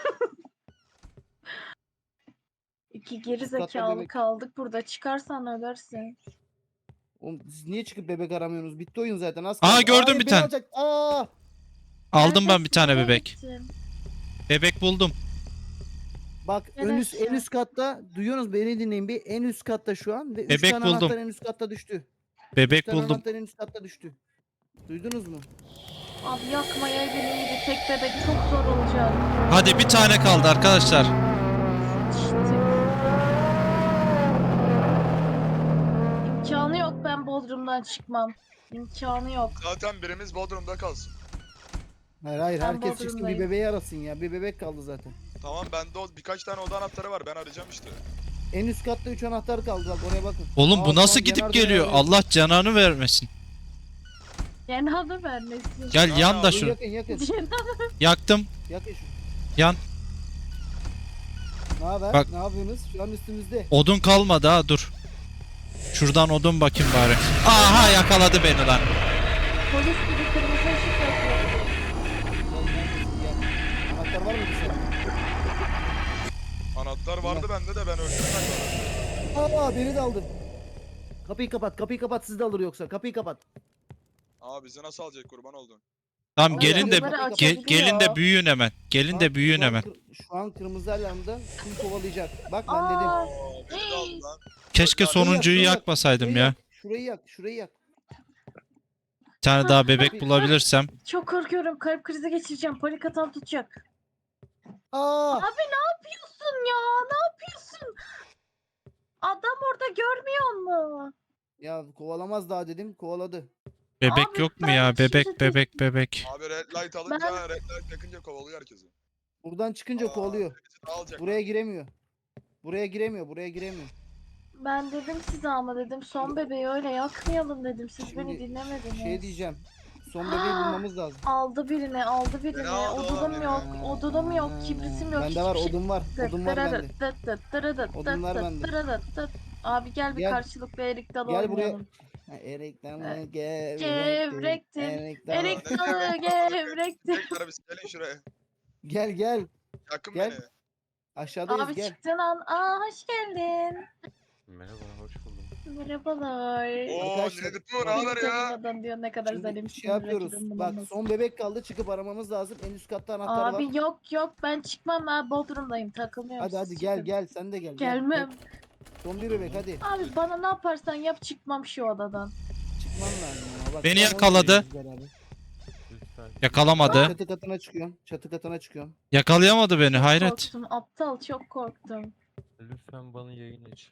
Speaker 3: İki geri
Speaker 1: Üst katta
Speaker 3: zekalı
Speaker 1: bebek.
Speaker 3: kaldık burada. Çıkarsan ölersin.
Speaker 1: Oğlum siz niye çıkıp bebek aramıyorsunuz? Bitti oyun zaten, az
Speaker 2: Aa,
Speaker 1: kaldı.
Speaker 2: gördüm
Speaker 1: Hayır,
Speaker 2: bir
Speaker 1: beni
Speaker 2: tane.
Speaker 1: alacak. Aa!
Speaker 2: Aldım ben bir
Speaker 3: Neredesin?
Speaker 2: tane
Speaker 3: Nereye
Speaker 2: bebek.
Speaker 3: gittin?
Speaker 2: Bebek buldum.
Speaker 1: Bak en
Speaker 3: Neresi?
Speaker 1: üst katta duyuyorsunuz, beni dinleyin bir. En üst katta şu an ve 3
Speaker 2: Bebek
Speaker 1: tane
Speaker 2: buldum.
Speaker 1: anahtar en üst katta düştü.
Speaker 2: Bebek
Speaker 1: 3 tane
Speaker 2: buldum.
Speaker 1: anahtar en üst katta düştü. Duydunuz mu?
Speaker 3: Abi yakmaya iyiydi. Tek bebek çok zor olacak.
Speaker 2: Hadi bir tane kaldı arkadaşlar.
Speaker 3: İşte. İmkanı yok, ben Bodrum'dan çıkmam. İmkanı yok.
Speaker 4: Zaten birimiz Bodrum'da kalsın.
Speaker 1: Hayır
Speaker 3: Ben
Speaker 1: herkes çıksın, bir
Speaker 3: Bodrum'dayım.
Speaker 1: bebeği arasın ya. Bir bebek kaldı zaten.
Speaker 4: Tamam bende birkaç tane oda anahtarı var, ben arayacağım işte.
Speaker 1: En üst katta 3 anahtar kaldı, bak oraya bakın.
Speaker 2: Oğlum
Speaker 1: Aa,
Speaker 2: bu nasıl
Speaker 1: tamam,
Speaker 2: gidip
Speaker 1: Genardo
Speaker 2: geliyor?
Speaker 1: arıyor.
Speaker 2: Allah cananı vermesin.
Speaker 3: Cenabı vermesin.
Speaker 2: Gel
Speaker 4: Ya,
Speaker 2: yan da
Speaker 1: Dur,
Speaker 2: şunu.
Speaker 1: yakın.
Speaker 3: Cenabı.
Speaker 2: Yaktım.
Speaker 1: Yakın şu.
Speaker 2: Yan.
Speaker 1: Ne haber?
Speaker 2: Bak.
Speaker 1: Ne yapıyorsunuz? Şu an üstümüzde.
Speaker 2: Odun kalmadı ha, dur. Şuradan odun bakayım bari. Aha yakaladı beni lan.
Speaker 3: Polis gibi kırmızı ışık yakıyor.
Speaker 1: Gel, neredesin? Gel. Anahtar var mı bir senin?
Speaker 4: Anahtar vardı bende de ben öldüm.
Speaker 1: Aa, beni de aldı. Kapıyı kapat, sizi de alır yoksa. Kapıyı kapat.
Speaker 4: Abi bizi nasıl alacak, kurban oldun.
Speaker 2: Tamam
Speaker 1: Ama
Speaker 2: gelin de
Speaker 3: yanları açabiliyor.
Speaker 2: gelin de büyüyün hemen. Gelin de büyüyün
Speaker 1: Şu an
Speaker 2: hemen.
Speaker 1: Şu an kırmızı alarmda kim kovalayacak. Bak ben dedim.
Speaker 3: Aa,
Speaker 4: Beni de aldı lan.
Speaker 2: Keşke
Speaker 4: Şurayı
Speaker 2: sonuncuyu
Speaker 1: yak,
Speaker 2: yakmasaydım
Speaker 1: Şurayı
Speaker 2: ya.
Speaker 1: yak, Şurayı yak.
Speaker 2: Bir tane daha bebek bulabilirsem.
Speaker 3: çok korkuyorum. Kalp krizi geçireceğim. Panik atam tutacak.
Speaker 1: Aa!
Speaker 3: Abi ne yapıyorsun ya? Ne yapıyorsun? Adam orada görmüyor mu?
Speaker 1: Ya kovalamaz daha dedim. Kovaladı.
Speaker 2: Bebek
Speaker 3: Abi
Speaker 2: yok mu
Speaker 3: ben
Speaker 2: ya?
Speaker 3: şimdi
Speaker 2: Bebek.
Speaker 4: Abi red light alınca red light yakınca kovalıyor herkesi.
Speaker 1: Buradan çıkınca kovalıyor.
Speaker 4: Birisi daha alacak.
Speaker 1: Buraya giremiyor. Buraya giremiyor.
Speaker 3: Ben dedim size ama dedim son bebeği öyle yakmayalım dedim. Siz beni
Speaker 1: Şimdi
Speaker 3: dinlemediniz.
Speaker 1: Şey diyeceğim. Son bebeği bulmamız lazım.
Speaker 3: Aldı birini, aldı birini.
Speaker 4: Ne aldı
Speaker 3: Odunum
Speaker 4: oğlum
Speaker 3: yok,
Speaker 4: ya?
Speaker 3: odunum yok, kibritim yok.
Speaker 1: Bende var,
Speaker 3: hiçbir şey-
Speaker 1: odun var. Odun var bende. Odunlar bende.
Speaker 3: Abi gel bir
Speaker 1: Gel.
Speaker 3: karşılıklı erik dalı
Speaker 1: Gel buraya.
Speaker 3: oynayalım.
Speaker 1: Ha, erik dalı
Speaker 3: Evet.
Speaker 1: gevrektir.
Speaker 3: Gevrektir.
Speaker 1: dalı.
Speaker 3: Erik dalı gevrektir.
Speaker 4: Tekrar biz gelin şuraya.
Speaker 1: Gel.
Speaker 4: Yakın
Speaker 1: Gel.
Speaker 4: beni.
Speaker 1: Aşağıdayız
Speaker 3: Abi
Speaker 1: gel.
Speaker 3: çıktın an. Aa hoş geldin.
Speaker 6: Merhaba, hoş buldum.
Speaker 3: Merhabalar.
Speaker 4: Oo
Speaker 1: Arkadaşlar,
Speaker 4: ne bu ne haber ya?
Speaker 3: Tanımadan diyor ne kadar
Speaker 1: Şimdi
Speaker 3: zalimsin.
Speaker 1: şey yapıyoruz.
Speaker 3: rakibim
Speaker 1: Bak
Speaker 3: bulamaz.
Speaker 1: son bebek kaldı. Çıkıp aramamız lazım. En üst katta anahtar var.
Speaker 3: Abi yok ben çıkmam ben Bodrum'dayım takılmıyorum.
Speaker 1: Hadi
Speaker 3: siz
Speaker 1: gel
Speaker 3: çıkın.
Speaker 1: gel sen de gel. Gel.
Speaker 3: Gelmem.
Speaker 1: Son bir bebek hadi.
Speaker 3: Abi bana ne yaparsan yap çıkmam şu odadan.
Speaker 1: Çıkman lazım ya. Bak,
Speaker 2: Beni
Speaker 1: son
Speaker 2: yakaladı.
Speaker 1: oynuyoruz beraber.
Speaker 6: Lütfen.
Speaker 2: Yakalamadı.
Speaker 1: Çatı katına çıkıyorum.
Speaker 2: Yakalayamadı beni. Hayret.
Speaker 3: Korktum aptal çok korktum.
Speaker 6: Lütfen bana yayın aç.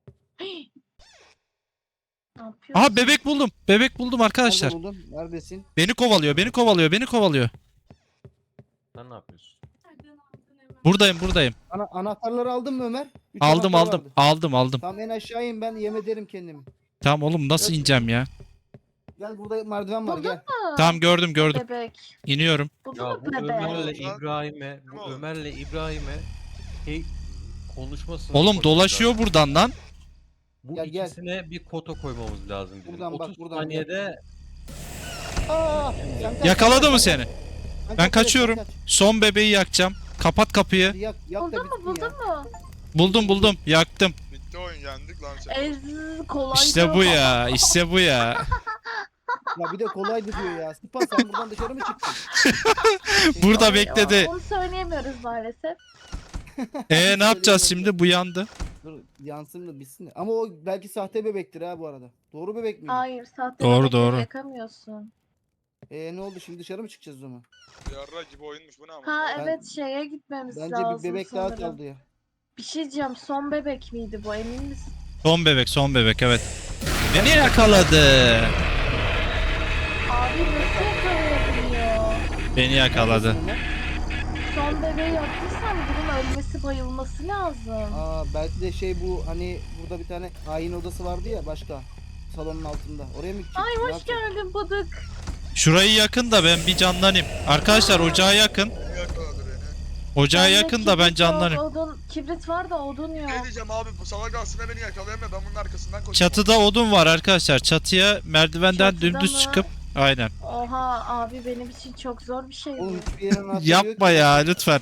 Speaker 3: Ne yapıyorsun?
Speaker 2: Aha bebek buldum. Bebek buldum arkadaşlar.
Speaker 1: Nerede buldun? Neredesin?
Speaker 2: Beni kovalıyor.
Speaker 6: Sen ne yapıyorsun?
Speaker 5: Nereden aldın hemen?
Speaker 2: Buradayım.
Speaker 1: Anahtarları aldın mı Ömer? Üç
Speaker 2: Aldım.
Speaker 1: anahtar vardı.
Speaker 2: Aldım.
Speaker 1: Tamam en aşağı in ben yem ederim kendimi.
Speaker 2: Tamam oğlum nasıl
Speaker 1: Yok.
Speaker 2: ineceğim ya?
Speaker 1: Gel burada merdiven var
Speaker 3: Buldun
Speaker 1: gel.
Speaker 3: mu?
Speaker 2: Tamam gördüm.
Speaker 3: Bebek.
Speaker 2: İniyorum.
Speaker 3: Buldun
Speaker 6: Ya
Speaker 3: mu
Speaker 6: bu
Speaker 3: bebek?
Speaker 6: Ömer'le
Speaker 4: Oğlum,
Speaker 6: İbrahim'e,
Speaker 4: Kim
Speaker 6: bu
Speaker 4: oğlum?
Speaker 6: Ömer'le İbrahim'e şey konuşmasını
Speaker 2: Oğlum
Speaker 6: koymamız
Speaker 2: dolaşıyor
Speaker 6: lazım.
Speaker 2: buradan lan.
Speaker 6: Bu
Speaker 1: Gel, gel.
Speaker 6: ikisine bir kota koymamız lazım bizim.
Speaker 1: Buradan bak,
Speaker 6: 30
Speaker 1: buradan
Speaker 6: saniyede
Speaker 1: Aa, sen kaç,
Speaker 2: Yakaladı
Speaker 1: sen
Speaker 2: mı
Speaker 1: kaç,
Speaker 2: seni?
Speaker 1: sen
Speaker 2: Ben
Speaker 1: kaç,
Speaker 2: kaçıyorum.
Speaker 1: sen kaç.
Speaker 2: Son bebeği yakacağım. Kapat kapıyı.
Speaker 1: Hadi yak da
Speaker 3: Buldun mu
Speaker 1: bitsin
Speaker 3: buldun
Speaker 1: ya.
Speaker 3: mu?
Speaker 2: Buldum. Yaktım.
Speaker 4: Bitti oyun yendik lan sen.
Speaker 3: Ez kolaydı.
Speaker 2: İşte bu ya.
Speaker 1: Ya bir de kolaydı diyor ya. Sıpa sen buradan dışarı mı çıktın?
Speaker 2: Burada
Speaker 3: Ay,
Speaker 2: bekledi.
Speaker 3: Onu söyleyemiyoruz maalesef.
Speaker 2: Ne yapacağız şimdi? Bu yandı.
Speaker 1: Dur yansın da bitsin. de. Ama o belki sahte bebektir ha bu arada. Doğru bebek miydi?
Speaker 3: Hayır sahte
Speaker 2: Doğru,
Speaker 3: bebekleri
Speaker 2: doğru.
Speaker 3: yakamıyorsun.
Speaker 1: Ne oldu şimdi dışarı mı çıkacağız o zaman?
Speaker 4: Yarra gibi oyunmuş bu ne ama.
Speaker 3: Ha
Speaker 1: Ben-
Speaker 3: evet şeye gitmemiz
Speaker 1: Bence
Speaker 3: lazım
Speaker 1: bir bebek daha
Speaker 3: sanırım.
Speaker 1: kaldı ya.
Speaker 3: Bir şey diyeceğim son bebek miydi bu emin misin?
Speaker 2: Son bebek evet. Beni yakaladı.
Speaker 3: Abi nasıl yakalayabiliyor?
Speaker 2: Beni yakaladı.
Speaker 3: Son bebeği yaptıysan bunun ölmesi bayılması lazım.
Speaker 1: Belki de şey bu hani burada bir tane ayin odası vardı ya başka. Salonun altında. Oraya mı gidecek?
Speaker 3: Ay
Speaker 1: Ne
Speaker 3: hoş
Speaker 1: yapacak?
Speaker 3: geldin Bıdık.
Speaker 2: Şurayı yakın da ben bir canlanayım. Arkadaşlar ocağa yakın.
Speaker 4: Kim yakaladı beni?
Speaker 2: Ocağa
Speaker 3: Bende
Speaker 2: yakın da ben
Speaker 3: kibrit yok,
Speaker 2: canlanayım.
Speaker 3: Odun, kibrit var da odun yok.
Speaker 4: Ne diyeceğim abi bu salak aslında beni yakalayamıyor ben bunun arkasından koşuyorum.
Speaker 2: Çatıda odun var arkadaşlar. Çatıya merdivenden
Speaker 3: Çatıda
Speaker 2: dümdüz
Speaker 3: mı?
Speaker 2: çıkıp aynen.
Speaker 3: Oha abi benim için çok zor bir şey bu.
Speaker 1: Oğlum hiçbir yerin anahtarı yok
Speaker 2: Yapma
Speaker 1: ki.
Speaker 2: ya lütfen.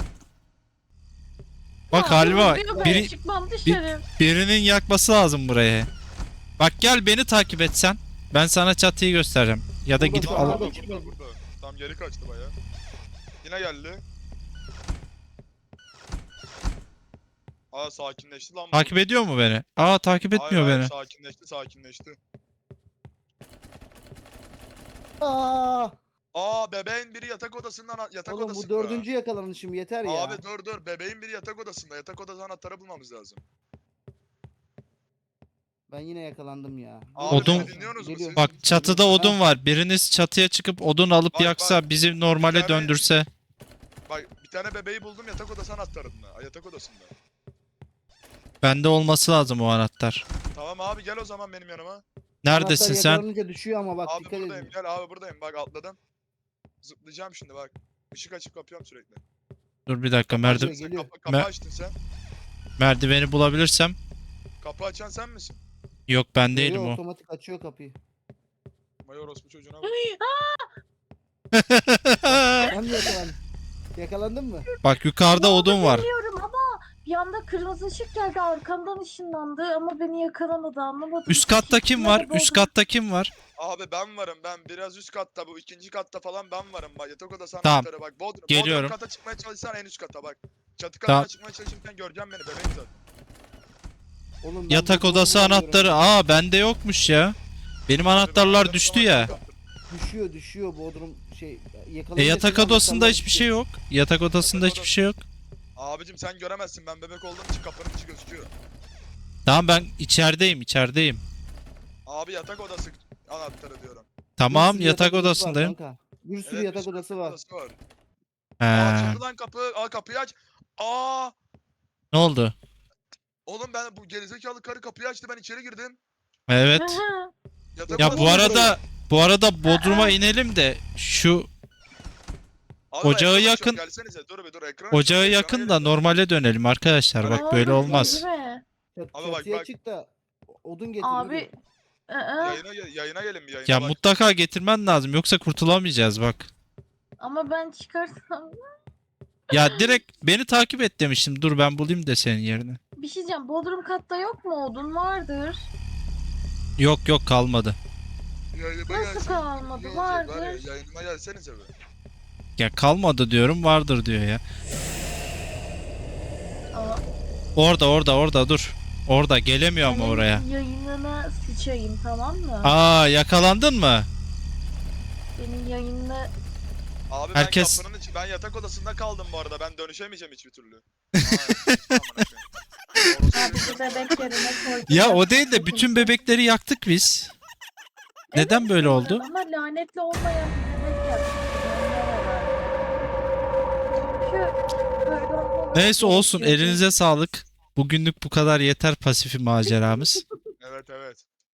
Speaker 2: Bak
Speaker 3: Ya,
Speaker 2: Halva
Speaker 3: vuruyor beni,
Speaker 2: biri,
Speaker 3: çıkmam dışarı.
Speaker 2: birinin yakması lazım burayı. Bak gel beni takip etsen. Ben sana çatıyı göstereceğim. Ya da
Speaker 1: Burada
Speaker 2: gidip
Speaker 1: şu
Speaker 2: al.
Speaker 1: an-
Speaker 4: Burada. Tam geri kaçtı baya. Yine geldi. Sakinleşti lan bu.
Speaker 2: Takip ediyor mu beni? Takip etmiyor
Speaker 4: Hayır,
Speaker 2: beni.
Speaker 4: sakinleşti. Bebeğin biri yatak odasından
Speaker 1: Oğlum
Speaker 4: odasında.
Speaker 1: bu dördüncü yakalanışım yeter ya.
Speaker 4: Abi dur bebeğin biri yatak odasında. Yatak odası anahtarı bulmamız lazım.
Speaker 1: Ben yine yakalandım ya.
Speaker 4: Abi
Speaker 2: Odun-
Speaker 4: beni dinliyorsunuz mu
Speaker 1: Geliyor.
Speaker 4: siz?
Speaker 2: Bak çatıda odun var. Biriniz çatıya çıkıp odun alıp
Speaker 4: Bak,
Speaker 2: yaksa
Speaker 4: bak.
Speaker 2: bizi normale
Speaker 4: Bir tane-
Speaker 2: döndürse.
Speaker 4: Bak bir tane bebeği buldum yatak odası anahtarında. Yatak odasında.
Speaker 2: Bende olması lazım o anahtar.
Speaker 4: Tamam abi gel o zaman benim yanıma.
Speaker 2: Neredesin
Speaker 1: Anahtar
Speaker 2: sen?
Speaker 1: yakalanınca düşüyor ama bak
Speaker 4: Abi
Speaker 1: dikkat
Speaker 4: buradayım
Speaker 1: edin.
Speaker 4: gel abi buradayım bak atladım. Zıplayacağım şimdi bak. Işık açıp kapıyorum sürekli.
Speaker 2: Dur bir dakika
Speaker 1: Geliyor,
Speaker 4: Sen
Speaker 1: geliyor.
Speaker 4: kapı
Speaker 2: Me-
Speaker 4: açtın sen.
Speaker 2: merdiveni bulabilirsem.
Speaker 4: Kapı açan sen misin?
Speaker 2: Yok ben
Speaker 1: Yo,
Speaker 2: değilim o.
Speaker 1: otomatik açıyor kapıyı.
Speaker 4: Mayor orospu çocuğuna bak.
Speaker 1: Sen mi yakalandın? Yakalandın mı?
Speaker 2: Bak yukarıda
Speaker 3: Ne
Speaker 2: odun
Speaker 3: oldu
Speaker 2: var.
Speaker 3: bilmiyorum ama bir anda kırmızı ışık geldi arkamdan ışınlandı ama beni yakalamadı anlamadım.
Speaker 2: Üst katta kim var?
Speaker 3: Üstüne de
Speaker 2: Üst
Speaker 3: Bodrum-
Speaker 2: katta kim var?
Speaker 4: Abi ben varım ben biraz üst katta bu ikinci katta falan ben varım bak yatak odası
Speaker 2: Tamam.
Speaker 4: anahtarı bak Bodrum.
Speaker 2: Geliyorum.
Speaker 4: Bodrum kata çıkmaya çalışsan en üst kata bak. Çatı katına
Speaker 2: Tamam.
Speaker 4: çıkmaya çalışırken göreceğim beni bebeğim zaten.
Speaker 1: Oğlum ben
Speaker 2: Yatak
Speaker 1: Bodrum'u
Speaker 2: odası
Speaker 1: bulamıyorum.
Speaker 2: anahtarı. Bende yokmuş ya. Benim anahtarlar
Speaker 4: Abi,
Speaker 2: düştü ya.
Speaker 1: Düşüyor Bodrum şey yakalanınca
Speaker 2: Yatak
Speaker 1: senin
Speaker 2: odasında
Speaker 1: anahtarlar
Speaker 2: hiçbir
Speaker 1: düşüyor.
Speaker 2: şey yok. Yatak odasında hiçbir şey yok.
Speaker 4: Abicim sen göremezsin. Ben bebek olduğum için kapının içi gözüküyor.
Speaker 2: Tamam ben içerideyim.
Speaker 4: Abi yatak odası anahtarı diyorum.
Speaker 2: Tamam
Speaker 1: Bir sürü
Speaker 2: yatak
Speaker 1: odası var
Speaker 2: odasındayım.
Speaker 1: kanka. Bir sürü
Speaker 4: Evet,
Speaker 1: yatak
Speaker 4: bir sürü
Speaker 1: odası var.
Speaker 4: odası var.
Speaker 2: He.
Speaker 4: Açıldı lan kapı. Aa kapıyı aç. Aa
Speaker 2: Ne oldu?
Speaker 4: oğlum ben bu gerizekalı karı kapıyı açtı. Ben içeri girdim.
Speaker 2: Evet.
Speaker 4: Yatak
Speaker 2: Ya
Speaker 4: odası
Speaker 2: bu
Speaker 4: var.
Speaker 2: arada Bodrum'a inelim de şu
Speaker 4: Abi
Speaker 2: ocağı
Speaker 4: ekran
Speaker 2: yakın-
Speaker 4: açıyorum, Gelsenize dur bir dur ekran
Speaker 2: ocağı
Speaker 4: açıyorum, ekrana
Speaker 2: yakın da
Speaker 4: gelin.
Speaker 2: normale dönelim arkadaşlar.
Speaker 4: Öyle-
Speaker 2: Bak böyle olmaz.
Speaker 3: Girme.
Speaker 4: Abi bak,
Speaker 1: Çatıya
Speaker 4: bak.
Speaker 1: çık da odun getir.
Speaker 3: Abi.
Speaker 1: yürü.
Speaker 4: Yayına gelin bir yayına
Speaker 2: Ya
Speaker 4: bak.
Speaker 2: mutlaka getirmen lazım yoksa kurtulamayacağız bak.
Speaker 3: Ama ben çıkarsam
Speaker 2: Ya direkt beni takip et demiştim. Dur ben bulayım da senin yerine.
Speaker 3: bir şey diyeceğim. Bodrum katta yok mu? Odun vardır.
Speaker 2: Yok kalmadı.
Speaker 4: Yayınıma
Speaker 3: Nasıl
Speaker 4: gelsin.
Speaker 3: kalmadı?
Speaker 4: İyi olacak var ya,
Speaker 3: Vardır.
Speaker 4: yayınıma gelsenize be.
Speaker 2: Ya kalmadı diyorum vardır diyor ya.
Speaker 3: Aa,
Speaker 2: Orada dur. Orada gelemiyor ama
Speaker 3: senin
Speaker 2: oraya.
Speaker 3: yayınına sıçayım, tamam mı?
Speaker 2: Aa yakalandın mı?
Speaker 3: Senin yayınına
Speaker 4: Abi
Speaker 2: Herkes-
Speaker 4: ben kapının içi, ben yatak odasında kaldım bu arada. Ben dönüşemeyeceğim hiçbir türlü. Aa, amına koyayım.
Speaker 3: sadece bebek yerine koydum.
Speaker 2: Ya o değil de bütün bebekleri yaktık biz. Neden böyle oldu?
Speaker 3: Ama lanetli olmayan bir bebek yaptık. Çünkü böyle olmaması
Speaker 2: Neyse olsun
Speaker 3: gerekiyordu.
Speaker 2: elinize sağlık. Bugünlük bu kadar yeter pasifi maceramız.